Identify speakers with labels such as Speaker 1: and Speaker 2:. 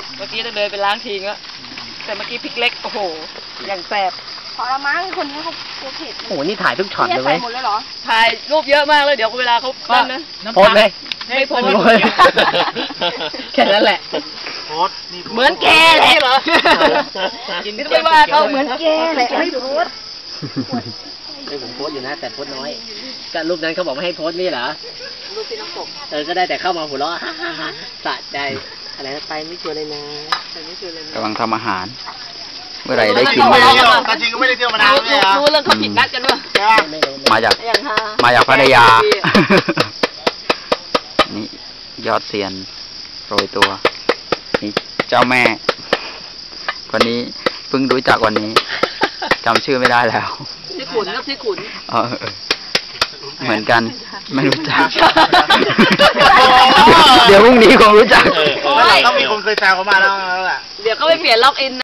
Speaker 1: เมื่อกี้จะเดินไปล้างทิ้งแล้วแต่เมื่อกี้พริกเล็กโอ้โหอย่างแสบ
Speaker 2: พอละมั้งคนนี้เขากลัวเผ็ด
Speaker 3: โอ้โหนี่ถ่ายทุกช็อตเลย
Speaker 2: ใส่
Speaker 3: เว้ย
Speaker 2: หมดเลยเหรอ
Speaker 1: ถ่ายรูปเยอะมากเลยเดี๋ยวเวลาเขาปั้นนะ
Speaker 3: โพสเลย
Speaker 1: ไม่โพส
Speaker 3: แค่นั้นแหละ
Speaker 4: โพสนี่
Speaker 1: เหมือนแกเลยเหรอกินไม่ว่าเขาเหมือนแกเลยไม่โพส
Speaker 3: ไม่ผมโพสอยู่นะแต่โพสน้อยก็รูปนั้นเขาบอกไม่ให้โพสนี่เหรอ
Speaker 1: รูปที่น้องกบ
Speaker 3: ก็ได้แต่เข้ามาหัวเราะสะใจอะไรนะไปไม่ชวนเลยนะไปไม่ชวนเลยนะ
Speaker 5: กำลังทำอาหาร เมื่อไหร่ได้ชิม
Speaker 4: แต่จริงก็ไม่ได้เที่ยวมานานเลยอ่ะ
Speaker 1: รู้เรื่องเขาผิดนัดกันวะ
Speaker 5: มาจาก
Speaker 1: อย่างฮา
Speaker 5: มาจากพัทยา นี่ยอดเซียนโรยตัว นี่เจ้าแม่ วันนี้เพิ่งรู้จักวันนี้จำชื่อไม่ได้แล้ว
Speaker 1: ที่ขุนครับที่ขุน
Speaker 5: เออเหมือนกันไม่รู้จัก เดี๋ยวพรุ่งนี้คงรู้จัก
Speaker 4: ต้องมีคนเคยแซวเขามาแล้วแหละ
Speaker 1: เดี๋ยวเขาไปเปลี่ยนล็อกอิน